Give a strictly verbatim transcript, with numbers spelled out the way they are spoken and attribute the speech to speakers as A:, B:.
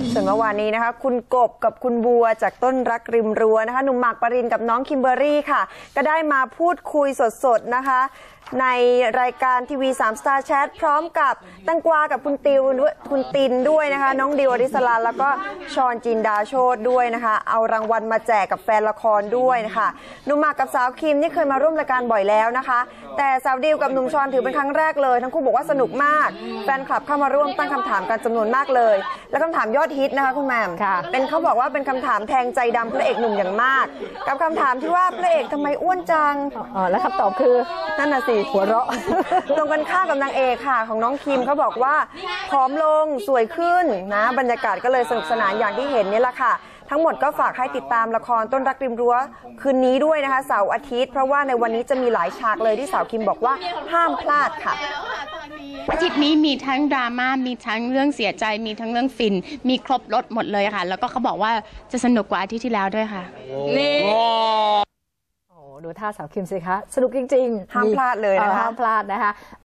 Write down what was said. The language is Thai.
A: ส่วนเมื่อวานนี้นะคะคุณกบกับคุณบัวจากต้นรักริมรั้วนะคะหนุ่มหมากปรินกับน้องคิมเบอร์รี่ค่ะก็ได้มาพูดคุยสดๆนะคะในรายการทีวีสามสตาร์แชทพร้อมกับตังกวากับคุณติวคุณตินด้วยนะคะน้องดิวอริสลาแล้วก็ชอนจินดาโชตด้วยนะคะเอารางวัลมาแจกกับแฟนละครด้วยนะคะหนุ่มหมากกับสาวคิมนี่เคยมาร่วมรายการบ่อยแล้วนะคะแต่สาวดิวกับหนุ่มชอนถือเป็นครั้งแรกเลยทั้งคู่บอกว่าสนุกมากแฟนคลับเข้ามาร่วมตั้งคำถามกันจำนวนมากเลยและคำถามยอดฮิตนะคะคุณแม่เป็นเขาบอกว่าเป็นคำถามแทงใจดำพระเอกหนุ่มอย่างมากกับคำถามที่ว่าพระเอกทำไมอ้วนจัง
B: อ๋อแล้วคำตอบคือ
A: นั่นน่ะสิหัวเราะตรงกันข้ามกับนางเอกค่ะของน้องคิมเขาบอกว่าผอมลงสวยขึ้นนะบรรยากาศก็เลยสนุกสนานอย่างที่เห็นนี่แหละค่ะทั้งหมดก็ฝากให้ติดตามละครต้นรักริมรั้วคืนนี้ด้วยนะคะเสาร์อาทิตย์เพราะว่าในวันนี้จะมีหลายฉากเลยที่สาวคิมบอกว่าห้ามพลาดค่ะ
C: อาทิตย์นี้มีทั้งดราม่ามีทั้งเรื่องเสียใจมีทั้งเรื่องฟินมีครบรถหมดเลยค่ะแล้วก็เขาบอกว่าจะสนุกกว่าอาทิตย์ที่แล้วด้วยค่ะนี่
B: ดูท่าสาวคิมสิคะสนุกจริง
A: ๆห้ามพลาดเลยนะคะ
B: ห้ามพลาดนะคะ